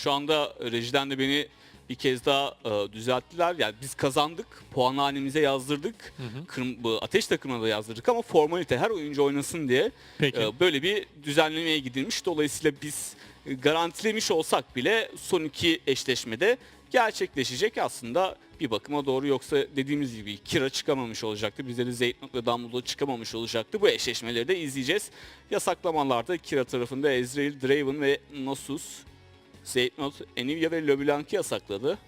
şu anda rejiden de beni bir kez daha düzelttiler. Yani biz kazandık, puanhanemize yazdırdık. Bu Ateş takımına da yazdırdık ama formalite her oyuncu oynasın diye Peki. böyle bir düzenlemeye gidilmiş. Dolayısıyla biz garantilemiş olsak bile son iki eşleşmede gerçekleşecek aslında bir bakıma doğru. Yoksa dediğimiz gibi Kira çıkamamış olacaktı. Bizde de Zeytnot ve Dumbledore çıkamamış olacaktı. Bu eşleşmeleri de izleyeceğiz. Yasaklamalarda Kira tarafında Ezreal, Draven ve Nasus, Zeytnot, Anivia ve LeBlanc'ı yasakladı.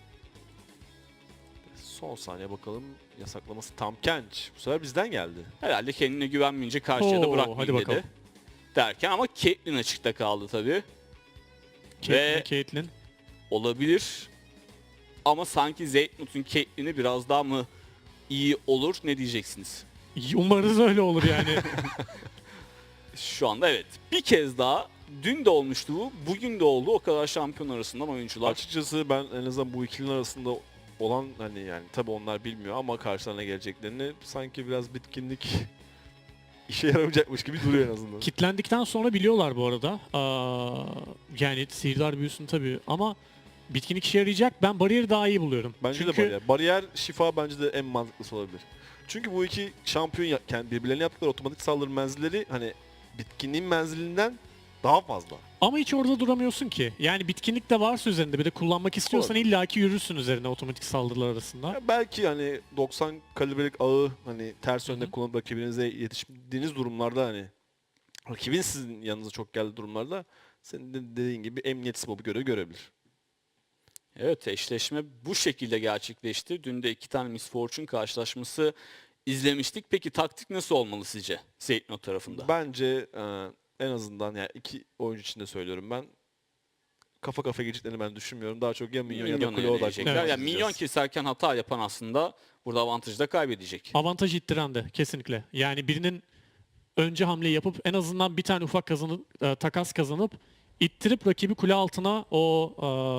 Son saniye bakalım. Yasaklaması tam Kench. Bu sefer bizden geldi. Herhalde kendine güvenmeyince karşıya da Oo, bırakmayayım hadi bakalım. dedi. Derken ama Caitlyn açıkta kaldı tabii. Ve Caitlyn. olabilir. Ama sanki Zeytnot'un Caitlyn'i biraz daha mı iyi olur? Ne diyeceksiniz? Umarız öyle olur yani. Şu anda evet. Bir kez daha dün de olmuştu bu. Bugün de oldu. O kadar şampiyon arasından oyuncular. Açıkçası ben en azından bu ikilinin arasında olan hani yani tabii onlar bilmiyor ama karşılarına geleceklerini sanki biraz bitkinlik işe yaramayacakmış gibi duruyor en azından. Kitlendikten sonra biliyorlar bu arada. Yani sihirdar büyüsün tabii ama bitkinlik işe yarayacak. Ben bariyeri daha iyi buluyorum. Bence Çünkü de bariyer. Bariyer şifa bence de en mantıklısı olabilir. Çünkü bu iki şampiyon birbirlerine yaptıkları otomatik saldırı menzilleri hani bitkinliğin menzilinden daha fazla. ama hiç orada duramıyorsun ki. Yani bitkinlik de varsa üzerinde bir de kullanmak istiyorsan Doğru. illaki yürürsün üzerine otomatik saldırılar arasında. Ya belki hani 90 kalibrelik ağı hani ters Hı yönde hı. kullanıp rakibinize yetiştiğiniz durumlarda hani rakibin sizin yanınıza çok geldiği durumlarda senin de dediğin gibi emniyet smobu görebilir. Evet, eşleşme bu şekilde gerçekleşti. Dün de iki tane Miss Fortune karşılaşması izlemiştik. Peki taktik nasıl olmalı sizce Zeytnot tarafında? Bence en azından yani iki oyuncu için de söylüyorum ben kafa kafa geçeceklerini ben düşünmüyorum. Daha çok ya minyon ya da Minyon'a kule yönelecekler. odaklı. Evet. Yani minyon keserken hata yapan aslında burada avantajı da kaybedecek. Avantaj ittiren de kesinlikle. Yani birinin önce hamle yapıp en azından bir tane ufak takas kazanıp ittirip rakibi kule altına o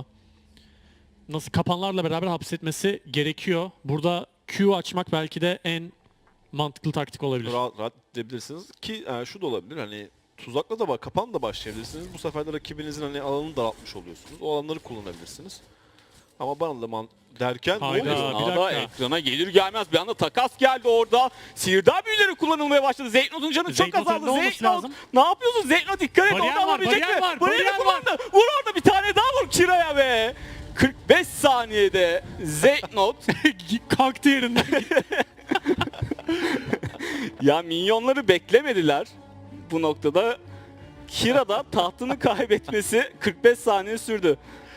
nasıl kapanlarla beraber hapsetmesi gerekiyor. Burada Q açmak belki de en mantıklı taktik olabilir. Rahat edebilirsiniz ki şu da olabilir hani tuzakla da kapan da başlayabilirsiniz. Bu sefer de rakibinizin hani alanını daraltmış oluyorsunuz. O alanları kullanabilirsiniz. Ama bana da derken ne Hayda. oluyor? Bir Esnada dakika. ekrana gelir gelmez bir anda takas geldi orada. Sihirdar büyüleri kullanılmaya başladı. Zeytnot'un canı çok Zeytnot'un azaldı. ne olması Zeytnot lazım? ne yapıyorsun? Zeytnot dikkat et. Bariyer Orada var, alabilecek bariyer mi? var, Bariyeri bariyer kullandı. Vur orada bir tane daha vur Kira'ya be. 45 saniyede Zeytnot Kalktı yerinden. ya minyonları beklemediler bu noktada. Kira da tahtını kaybetmesi 45 saniye sürdü.